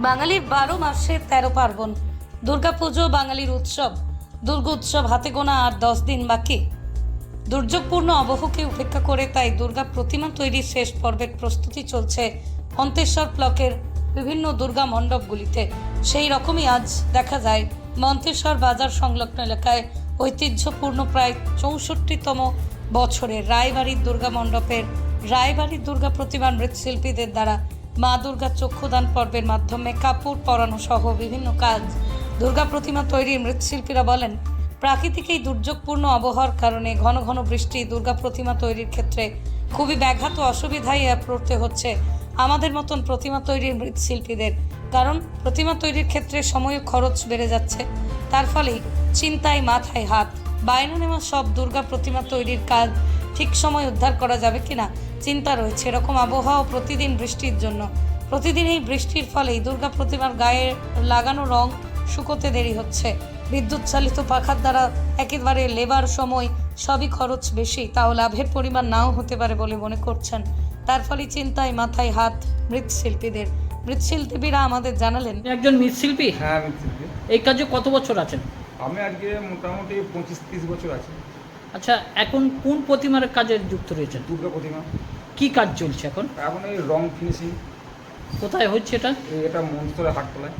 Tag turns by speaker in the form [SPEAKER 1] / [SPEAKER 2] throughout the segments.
[SPEAKER 1] বাঙালির 12 মাসে 13 পার্বণ। দুর্গাপুজো বাঙালির উৎসব। দুর্গোৎসব হাতে গোনা আর 10 দিন বাকি। দুর্যোগপূর্ণ আবহকে উপেক্ষা করে তাই দুর্গা প্রতিমা তৈরির শেষ পর্বের প্রস্তুতি চলছে মন্তেশ্বর ব্লকের বিভিন্ন দুর্গা মণ্ডপগুলিতে। সেই রকমই আজ দেখা যায় মন্তেশ্বর বাজার সংলগ্ন এলাকায় ঐতিহ্যপূর্ণ প্রায় 64তম বছরের রায়বাড়ির দুর্গা মণ্ডপের রায়বাড়ির দুর্গা প্রতিমার মৃৎশিল্পীদের দ্বারা মা দুর্গার চক্ষুদান পর্বের মাধ্যমে কাপড় পরানো সহ বিভিন্ন কাজ। দুর্গা প্রতিমা তৈরির মৃৎশিল্পীরা বলেন, প্রাকৃতিক এই দুর্যোগপূর্ণ আবহাওয়ার কারণে ঘন ঘন বৃষ্টি দুর্গা প্রতিমা তৈরির ক্ষেত্রে খুবই ব্যাঘাত অসুবিধায় পড়তে হচ্ছে আমাদের মতন প্রতিমা তৈরির মৃৎশিল্পীদের। কারণ প্রতিমা তৈরির ক্ষেত্রে সময় ও খরচ বেড়ে যাচ্ছে, তার ফলেই চিন্তায় মাথায় হাত। বায়না নেওয়া সব দুর্গা প্রতিমা তৈরির কাজ ঠিক সময় উদ্ধার করা যাবে কিনা চিন্তা রয়েছে। এরকম আবহাওয়া প্রতিদিন বৃষ্টির জন্য, প্রতিদিন এই বৃষ্টির ফলেই দুর্গা প্রতিমার গায়ে লাগানো রং শুকোতে দেরি হচ্ছে। বিদ্যুৎ চালিত পাখার দ্বারা একেবারে লেবার সময় সবই খরচ বেশি, তাও লাভের পরিমাণ নাও হতে পারে বলে মনে করছেন। তার ফলে চিন্তায় মাথায় হাত মৃৎশিল্পীদের। মৃৎশিল্পীরা আমাদের জানালেন,
[SPEAKER 2] একজন মৃৎশিল্পী।
[SPEAKER 3] হ্যাঁ, আমি শিল্পী।
[SPEAKER 2] এই কাজে কত বছর আছেন?
[SPEAKER 3] আমি আজকে মোটামুটি 25-30 বছর আছি।
[SPEAKER 2] আচ্ছা, এখন কোন প্রতিমার কাজে যুক্ত রয়েছেন?
[SPEAKER 3] দুর্গা প্রতিমা।
[SPEAKER 2] কি কাজ চলছে এখন?
[SPEAKER 3] এখন এই রং ফিনিশিং।
[SPEAKER 2] কোথায় হচ্ছে এটা?
[SPEAKER 3] এটা মনসরে হাটতলায়,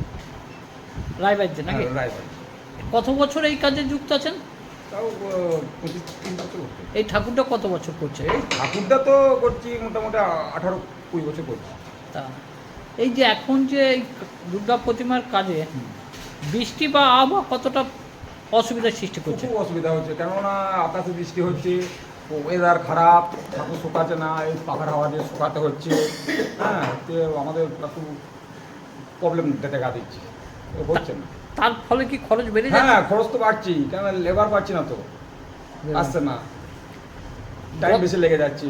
[SPEAKER 2] রায়বাড়িতে নাকি?
[SPEAKER 3] রায়বাড়ি।
[SPEAKER 2] কত বছর এই কাজে যুক্ত আছেন?
[SPEAKER 3] তাও 25-30 বছর হচ্ছে।
[SPEAKER 2] এই ঠাকুরটা কত বছর করছে?
[SPEAKER 3] এই ঠাকুরটা তো করছি মোটামুটি 18-20 বছর করছি।
[SPEAKER 2] তা এই যে এখন যে এই দুর্গা প্রতিমার কাজে বৃষ্টি বা আবহাওয়া কতটা অসুবিধার সৃষ্টি করছে?
[SPEAKER 3] খুব অসুবিধা হচ্ছে, কেননা আকাশে বৃষ্টি হচ্ছে, ওয়েদার খারাপ, ঠাকুর শুকাচ্ছে না, এই পাখার হাওয়া দিয়ে শুকাতে হচ্ছে। হ্যাঁ, তো আমাদের একটু প্রবলেম দেখা দিচ্ছে, হচ্ছে না।
[SPEAKER 2] তার ফলে কি খরচ বেড়ে যাচ্ছে?
[SPEAKER 3] হ্যাঁ, খরচ তো বাড়ছি, কেন লেবার পাচ্ছি না তো, আসছে না, টাইম বেশি লেগে যাচ্ছে।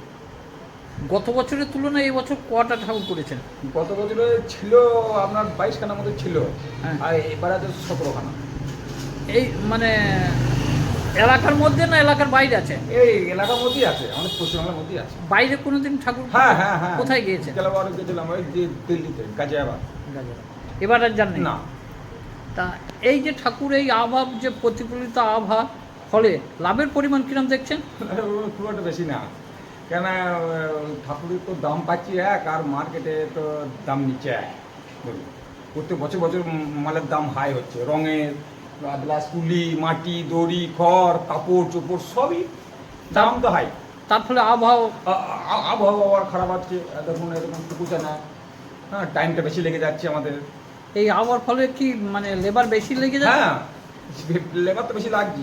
[SPEAKER 2] গত বছরের তুলনায় এই বছর কটা ঠাকুর করেছেন?
[SPEAKER 3] গত বছরে ছিল আপনার 22খানার মধ্যে ছিল,
[SPEAKER 2] হ্যাঁ।
[SPEAKER 3] আর এবার আছে 17খানা।
[SPEAKER 2] এই মানে এলাকার মধ্যে না এলাকার বাইরে আছে?
[SPEAKER 3] এই এলাকার মধ্যেই আছে, আমাদের পশ্চিমবাংলার মধ্যেই আছে।
[SPEAKER 2] বাইরে কোনোদিন ঠাকুর?
[SPEAKER 3] হ্যাঁ হ্যাঁ হ্যাঁ।
[SPEAKER 2] কোথায় গিয়েছে?
[SPEAKER 3] গেলাবার গেছিলাম ওই দিল্লিতে, গাজিয়াবাদ।
[SPEAKER 2] এবার আর জানেন
[SPEAKER 3] না,
[SPEAKER 2] তা এই যে ঠাকুর এই আবহাওয়া যে প্রতিফলিত আবহাওয়া ফলে লাভের পরিমাণ কিরম দেখছেন?
[SPEAKER 3] খুব একটা বেশি না, কেন ঠাকুরের তো দাম পাচ্ছি এক, আর মার্কেটে তো দাম নিচ্ছে এক। বলুন, প্রত্যেক বছর বছর মালের দাম হাই হচ্ছে, রঙের প্লাস তুলি, মাটি, দড়ি, খড়, কাপড় চোপড় সবই দাম তো হাই।
[SPEAKER 2] তার ফলে আবহাওয়া
[SPEAKER 3] আবহাওয়া খারাপ আছে, দেখুন এরকম টুকুছে না। হ্যাঁ, টাইমটা বেশি লেগে যাচ্ছে আমাদের।
[SPEAKER 2] এই আবহাওয়ার ফলে কি মানে লেবার বেশি লেগে যায়?
[SPEAKER 3] হ্যাঁ, লেবার তো বেশি লাগছে,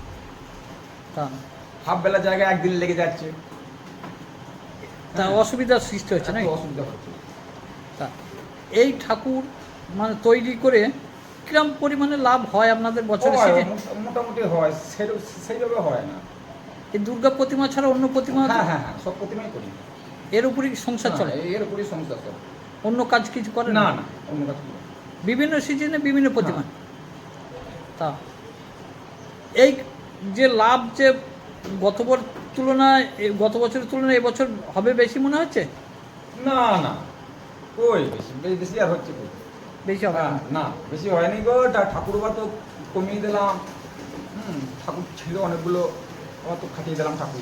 [SPEAKER 2] তা
[SPEAKER 3] হাফ বেলা জায়গায় একদিন লেগে যাচ্ছে।
[SPEAKER 2] তা অসুবিধার সৃষ্টি হচ্ছে না?
[SPEAKER 3] একটু অসুবিধা হচ্ছে।
[SPEAKER 2] তা এই ঠাকুর মানে তৈরি করে কিরম পরিমাণে লাভ হয় আপনাদের বছরে
[SPEAKER 3] হয়,
[SPEAKER 2] শেষে?
[SPEAKER 3] মোটামুটি হয়, সেইভাবে হয় না।
[SPEAKER 2] এই দুর্গা প্রতিমা ছাড়া অন্য প্রতিমা আছে?
[SPEAKER 3] হ্যাঁ হ্যাঁ হ্যাঁ, সব প্রতিমাই করি।
[SPEAKER 2] এর উপরই সংসার চলে?
[SPEAKER 3] হ্যাঁ, এর উপরই সংসার চলে।
[SPEAKER 2] অন্য কাজ কিছু করে
[SPEAKER 3] না না, অন্য কাজ করি না।
[SPEAKER 2] বিভিন্ন সিজনে বিভিন্ন প্রতিমা?
[SPEAKER 3] হ্যাঁ।
[SPEAKER 2] তা এই যে লাভ যে গত গত বছরের তুলনায় এবছর হবে বেশি মনে হচ্ছে?
[SPEAKER 3] না না, ওই বেশি বেশি আর হচ্ছে কই?
[SPEAKER 2] বেশি হবে
[SPEAKER 3] হ্যাঁ,
[SPEAKER 2] না?
[SPEAKER 3] না বেশি হয়নি গো। ঠাকুরবা তো কমিয়ে দিলাম। ঠাকুর ছিল অনেকগুলো, আবার তো খাটিয়ে দিলাম ঠাকুর।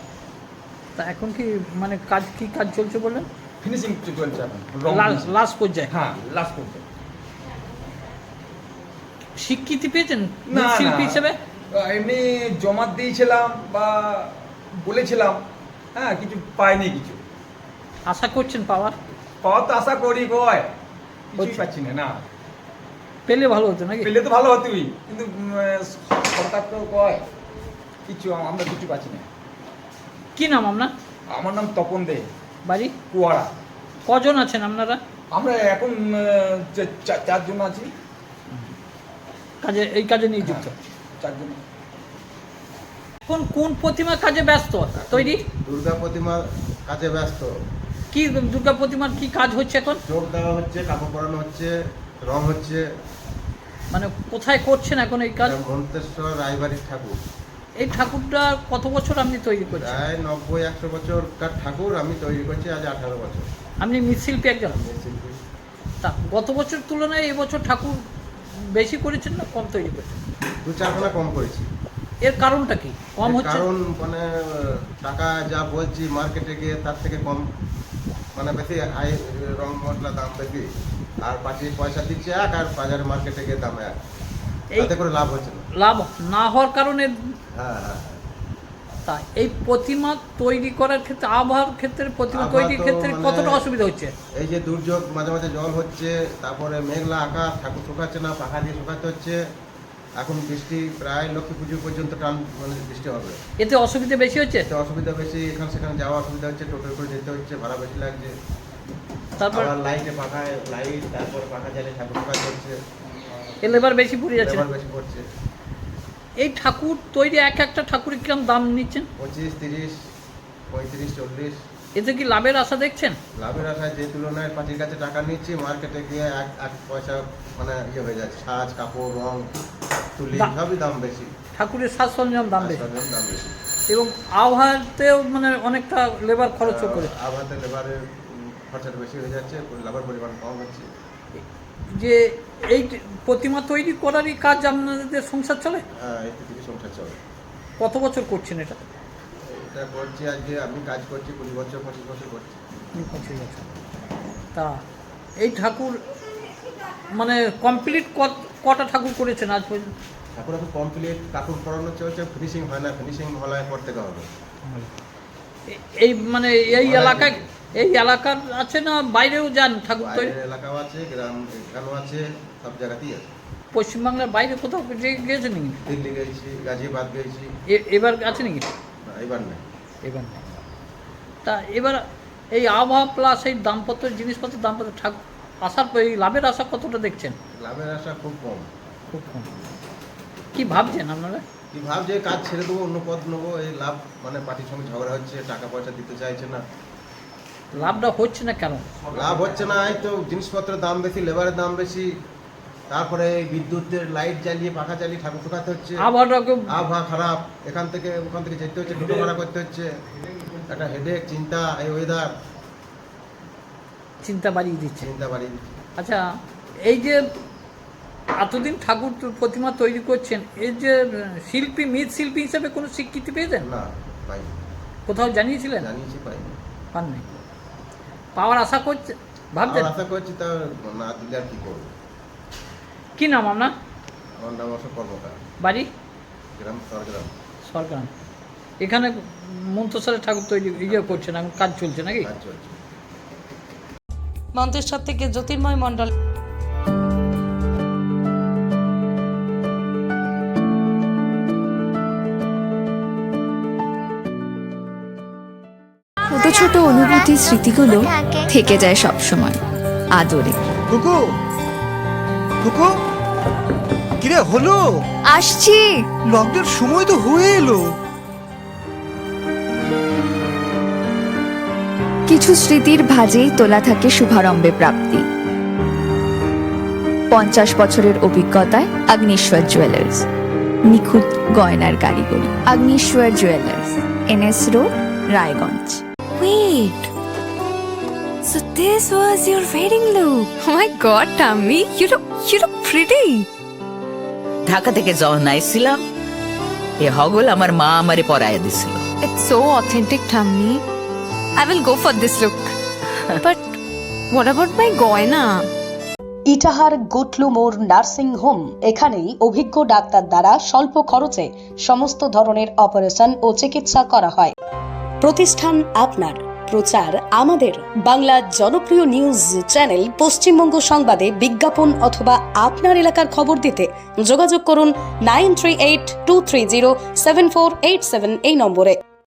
[SPEAKER 2] তা এখন কি মানে কি কাজ চলছে বললেন?
[SPEAKER 3] ফিনিশিং চলছে এখন, রং
[SPEAKER 2] লাস্ট পর্যায়ে?
[SPEAKER 3] হ্যাঁ, লাস্ট করতে।
[SPEAKER 2] স্বীকৃতি পেয়েছেন
[SPEAKER 3] না
[SPEAKER 2] শিল্পী হিসেবে?
[SPEAKER 3] এমনি জমা দিয়েছিলাম বা বলেছিলাম, হ্যাঁ, কিছু পাইনি। কিছু
[SPEAKER 2] আশা করছেন পাওয়ার?
[SPEAKER 3] পাওয়ার তো আশা করি কয়, কিছুই
[SPEAKER 2] হচ্ছে।
[SPEAKER 3] পাচ্ছি না। না,
[SPEAKER 2] পেলে ভালো হতো নাকি?
[SPEAKER 3] পেলে তো ভালো হতোই, কিন্তু সরকার তো কয় কিছু, আমরা কিছু পাচ্ছি না।
[SPEAKER 2] কি নাম আপনার?
[SPEAKER 3] আমার নাম তপন দে,
[SPEAKER 2] বাড়ি?
[SPEAKER 3] কুয়ারা।
[SPEAKER 2] কজন আছেন আপনারা
[SPEAKER 3] আমরা এখন 4 জন আছি।
[SPEAKER 2] এই কাজে নিযুক্ত?
[SPEAKER 3] 4 জন।
[SPEAKER 2] এখন কোন প্রতিমা কাজে ব্যস্ত তৈরি?
[SPEAKER 4] দুর্গা প্রতিমার কাজে ব্যস্ত।
[SPEAKER 2] কি দুর্গা প্রতিমার কি কাজ হচ্ছে এখন?
[SPEAKER 4] চোখ দেওয়া হচ্ছে, কাপড় পরানো হচ্ছে, রং হচ্ছে।
[SPEAKER 2] মানে কোথায় করছেন এখন এই কাজ?
[SPEAKER 4] মন্তেশ্বর রায়বাড়ির ঠাকুর।
[SPEAKER 2] এই ঠাকুরটা কত বছর আপনি তৈরি করছেন?
[SPEAKER 4] প্রায় 90-100 বছরকার ঠাকুর আমি তৈরি করছি আজ 18 বছর।
[SPEAKER 2] আপনি মৃৎশিল্পী একজন?
[SPEAKER 4] শিল্পী।
[SPEAKER 2] তা গত বছর তুলনায় এবছর ঠাকুর বেশি করেছেন না কম তৈরি করেছেন?
[SPEAKER 4] 2-4খানা কম করেছি।
[SPEAKER 2] এর কারণটা কি কম
[SPEAKER 4] এর
[SPEAKER 2] হচ্ছে?
[SPEAKER 4] কারণ মানে টাকা যা বলছি মার্কেটে গিয়ে তার থেকে কম, মানে বেশি হাই রং মশলা দাম বেশি, আর পাঁচি পয়সা দিচ্ছে এক, আর বাজারে মার্কেটে গিয়ে দাম এক, তাতে করে লাভ হচ্ছে না।
[SPEAKER 2] লাভ না হওয়ার কারণে
[SPEAKER 4] হ্যাঁ হ্যাঁ।
[SPEAKER 2] তা এই প্রতিমা তৈরি করার ক্ষেত্রে আবহাওয়ার ক্ষেত্রে প্রতিমা
[SPEAKER 4] আবহাওয়া
[SPEAKER 2] তৈরির
[SPEAKER 4] তো
[SPEAKER 2] ক্ষেত্রে
[SPEAKER 4] মানে-
[SPEAKER 2] কতটা অসুবিধা হচ্ছে?
[SPEAKER 4] এই যে দুর্যোগ, মাঝে মাঝে জল হচ্ছে, তারপরে মেঘলা আকাশ, ঠাকুর শুকাচ্ছে না, পাখা দিয়ে শুকাতে হচ্ছে। এখন বৃষ্টি প্রায় লক্ষ্মী পুজো পর্যন্ত টান মানে বৃষ্টি হবে,
[SPEAKER 2] এতে অসুবিধা বেশি হচ্ছে।
[SPEAKER 4] এতে অসুবিধা বেশি, এখানে সেখানে যাওয়া অসুবিধা হচ্ছে, টোটোয় করে যেতে হচ্ছে, ভাড়া বেশি লাগছে।
[SPEAKER 2] তারপর
[SPEAKER 4] আবার লাইটে পাখায় লাইট, তারপর পাখা জ্বালিয়ে ঠাকুর শুকাতে হচ্ছে,
[SPEAKER 2] লেবার বেশি পড়ে যাচ্ছে।
[SPEAKER 4] লেবার বেশি পড়ছে।
[SPEAKER 2] এই ঠাকুর তৈরি একটা ঠাকুরের কিরকম দাম নিচ্ছেন?
[SPEAKER 4] 25, 30, 35, 40।
[SPEAKER 2] এতে কি লাভের আশা দেখছেন?
[SPEAKER 4] লাভের আশায় যে তুলনায় পার্টির কাছে টাকা নিচ্ছি, মার্কেটে গিয়ে এক পয়সা মানে হয়ে যাচ্ছে। সাজ, কাপড়, রং, তুলি সবই দাম বেশি,
[SPEAKER 2] ঠাকুরের সাজ সরঞ্জাম দাম বেশি,
[SPEAKER 4] দাম বেশি।
[SPEAKER 2] এবং আবহাওয়াতেও মানে অনেকটা লেবার খরচও করে।
[SPEAKER 4] আবহাওয়াতে লেবারের খরচাটা বেশি হয়ে যাচ্ছে, লাভের পরিমাণ কম হচ্ছে।
[SPEAKER 2] যে এই প্রতিমা তৈরি করারই কাজ আপনাদের সংসার চলে?
[SPEAKER 4] হ্যাঁ, এই থেকে সংসার চলে।
[SPEAKER 2] কত বছর করছেন এটা?
[SPEAKER 4] এটা করছি আজকে, আমি কাজ করছি 20 বছর 25 বছর করছি।
[SPEAKER 2] 25 বছর। তা এই ঠাকুর মানে কমপ্লিট কটা ঠাকুর করেছেন আজ পর্যন্ত?
[SPEAKER 4] ঠাকুর এখন কমপ্লিট, কাপড় পরানো চলছে, ফিনিশিং হয় না, ফিনিশিং হলে পর থেকে হবে।
[SPEAKER 2] এই মানে এই এলাকার আছে না বাইরেও যান ঠাকুর তৈরি?
[SPEAKER 4] বাইরের এলাকাও আছে, গ্রামও আছে, সব জায়গাতেই আছে।
[SPEAKER 2] পশ্চিমবাংলার বাইরে কোথাও গিয়েছেন নাকি?
[SPEAKER 4] দিল্লি গেছি, গাজিয়াবাদ গেছি।
[SPEAKER 2] এবার আছে নাকি?
[SPEAKER 4] না, এবার নেই।
[SPEAKER 2] এবার নেই। তা এবার এই আবহাওয়া প্লাস এই দামপত্র জিনিসপত্রের দামপত্র ঠাকুর আসার এই লাভের আশা কতটা দেখছেন?
[SPEAKER 4] লাভের আশা খুব কম।
[SPEAKER 2] খুব কম। কী ভাবছেন আপনারা?
[SPEAKER 4] কি ভাবছে কাজ ছেড়ে দেবো, অন্য পথ নেবো, এই লাভ মানে পার্টির সঙ্গে ঝগড়া হচ্ছে, টাকা পয়সা দিতে চাইছে না।
[SPEAKER 2] লাভটা হচ্ছে না কেন?
[SPEAKER 4] লাভ হচ্ছে না, এই তো জিনিসপত্রের দাম বেশি, লেবারের দাম বেশি, তারপরে এই বিদ্যুতের লাইট জ্বালিয়ে পাখা জ্বালিয়ে ঠাকুর শুকাতে হচ্ছে। আবহাওয়া খারাপ, এখান থেকে ওখান থেকে যেতে হচ্ছে, টোটো ভাড়া করতে হচ্ছে, একটা হেডেক, চিন্তা, এই ওয়েদার
[SPEAKER 2] চিন্তা বাড়িয়ে দিচ্ছে।
[SPEAKER 4] চিন্তা বাড়িয়ে দিচ্ছে।
[SPEAKER 2] আচ্ছা, এই যে এতদিন ঠাকুর প্রতিমা তৈরি করছেন, এর যে শিল্পী মৃৎশিল্পী হিসেবে কোনো স্বীকৃতি পেয়েছেন?
[SPEAKER 4] না, পাইনি।
[SPEAKER 2] কোথাও জানিয়েছিলেন?
[SPEAKER 4] জানিয়েছি, পাইনি।
[SPEAKER 2] পাননি? পাওয়ার আশা করছে ভাবছেন?
[SPEAKER 4] আশা করছি, তা না দিলে আর কি করবো।
[SPEAKER 2] কি নাম আপনার?
[SPEAKER 4] আমার নাম অশোক কর্মকার,
[SPEAKER 2] বাড়ি?
[SPEAKER 4] গ্রাম সরগ্রাম।
[SPEAKER 2] সরকার। এখানে মন্ত্রসারের ঠাকুর তৈরি করছেন, এখন কাজ চলছে নাকি?
[SPEAKER 4] কাজ চলছে।
[SPEAKER 1] মন্তেশ্বর থেকে জ্যোতির্ময় মণ্ডল।
[SPEAKER 5] ছোট ছোট অনুভূতির স্মৃতিগুলো থেকে যায় সব সময় আদরে।
[SPEAKER 6] কুকু কুকু, কিরে হলো?
[SPEAKER 5] আসছি।
[SPEAKER 6] লকডাউন সময় তো হয়ে এলো।
[SPEAKER 5] কিছু স্মৃতির ভাজেই তোলা থাকে শুভারম্ভে প্রাপ্তি। 50 বছরের অভিজ্ঞতায় আগ্নেশ্বর জুয়েলার্স, নিখুঁত গয়নার কারিগরি। Agneshwar jewellers, NS road, Raiganj. Wait, so this was your wedding look? Oh my God, Tammy, you look pretty.
[SPEAKER 7] Dhaka থেকে যখন আইছিলাম, এ হগল আমার মা আমারে পরাইয়া দিছিল।
[SPEAKER 5] It's so authentic, Tammy. I will go for this look. But what about my goina?
[SPEAKER 8] Itahar গুটলু মোড় nursing home, এখানেই অভিজ্ঞ ডাক্তার দ্বারা স্বল্প খরচে সমস্ত ধরনের অপারেশন ও চিকিৎসা করা হয়। প্রতিষ্ঠান আপনার, প্রচার আমাদের। বাংলা জনপ্রিয় নিউজ চ্যানেল পশ্চিমবঙ্গ সংবাদে বিজ্ঞাপন অথবা আপনার এলাকার খবর দিতে যোগাযোগ করুন 9382307487 এই নম্বরে।